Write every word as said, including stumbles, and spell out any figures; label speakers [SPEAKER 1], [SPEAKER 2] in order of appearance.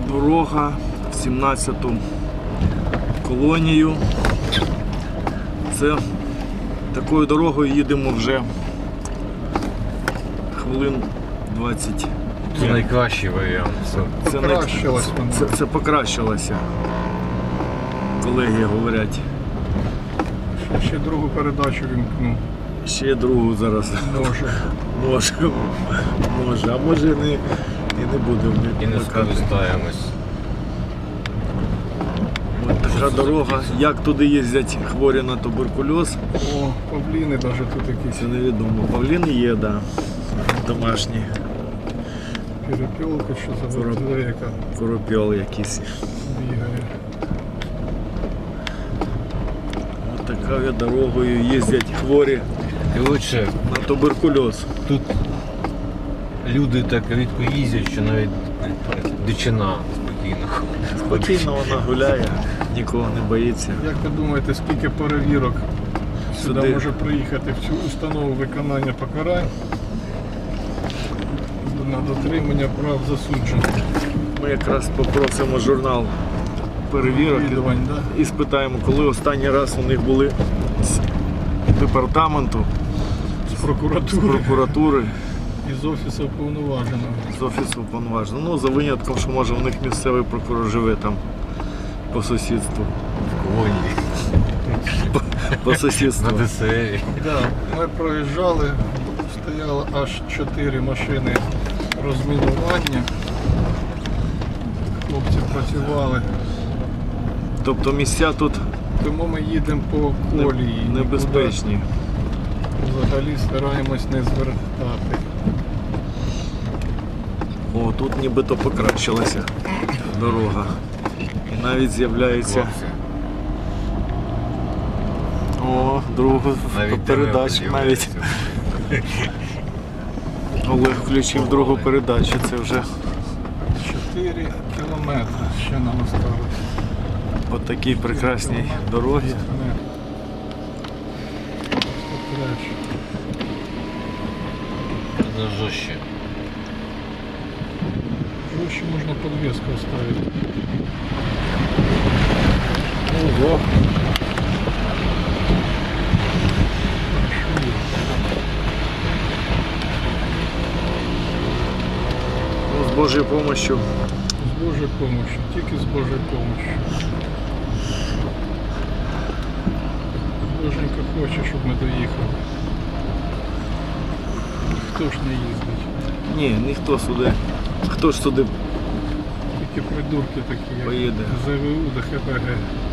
[SPEAKER 1] Дорога в сімнадцяту колонію. Це такою дорогою їдемо вже хвилин двадцять.
[SPEAKER 2] Це найкращий варіант.
[SPEAKER 1] Це,
[SPEAKER 3] Покращилось
[SPEAKER 1] це,
[SPEAKER 3] воно.
[SPEAKER 1] це, це покращилося. Колеги говорять.
[SPEAKER 3] Ще, ще другу передачу вімкну.
[SPEAKER 1] Ще другу зараз.
[SPEAKER 3] Може.
[SPEAKER 1] Може, може, а може не, і не будемо.
[SPEAKER 2] І не скористаємось.
[SPEAKER 1] Ось така дорога. Як туди їздять хворі на туберкульоз,
[SPEAKER 3] О, павліни навіть тут якісь.
[SPEAKER 1] це невідомо. Павліни є, так. Да. Домашні.
[SPEAKER 3] Перепілка, що за
[SPEAKER 1] Короб-
[SPEAKER 3] батарейка
[SPEAKER 1] Коропіл якийсь.
[SPEAKER 3] бігає.
[SPEAKER 1] Ось такою дорогою їздять хворі
[SPEAKER 2] Коротше,
[SPEAKER 1] на туберкульоз.
[SPEAKER 2] тут люди так рідко їздять, що навіть дичина спокійно.
[SPEAKER 1] Спокійно вона гуляє, нікого не боїться.
[SPEAKER 3] Як ви думаєте, скільки перевірок сюди,
[SPEAKER 1] Сюди.
[SPEAKER 3] може приїхати в цю установу виконання покарань на дотримання прав засуджених?
[SPEAKER 1] Ми якраз попросимо журнал перевірок
[SPEAKER 3] Відвідувань, да?
[SPEAKER 1] і спитаємо, коли останній раз у них були з департаменту,
[SPEAKER 3] З
[SPEAKER 1] з
[SPEAKER 3] прокуратури
[SPEAKER 1] прокуратури,
[SPEAKER 3] і з офісу уповноваженого.
[SPEAKER 1] з офісу повноваженого. Ну, за винятком, що може у них місцевий прокурор живе там по сусідству.
[SPEAKER 2] В колонії,
[SPEAKER 1] По сусідству.
[SPEAKER 2] на ДСРі.
[SPEAKER 3] Да, ми проїжджали, стояло аж чотири машини розмінування. Хлопці працювали.
[SPEAKER 1] Тобто місця тут
[SPEAKER 3] Тому ми їдемо по колії.
[SPEAKER 1] не- небезпечні.
[SPEAKER 3] Нікуди взагалі стараємось не звертати.
[SPEAKER 1] О, тут нібито покращилася дорога. І навіть з'являється.
[SPEAKER 2] Хлопці.
[SPEAKER 1] О, другу
[SPEAKER 2] Навіть
[SPEAKER 1] передачу
[SPEAKER 2] дерева
[SPEAKER 1] навіть.
[SPEAKER 2] з'являються.
[SPEAKER 1] Олег включив другу передачу, це вже
[SPEAKER 3] чотири кілометри ще нам осталось.
[SPEAKER 1] по такій прекрасній дорогі.
[SPEAKER 2] Це жорстче.
[SPEAKER 3] Проще можна подвеску оставить.
[SPEAKER 1] Ого. Ну, з Божою помощью.
[SPEAKER 3] З Божою помощью, тільки з Божою помощью. Боженька хоче, щоб ми доїхали. Хто ж не їздить?
[SPEAKER 1] Ні, ніхто сюди. Хто ж сюди
[SPEAKER 3] Тільки придурки такі, як
[SPEAKER 1] поїде?
[SPEAKER 3] ЗВУ до ХПГ.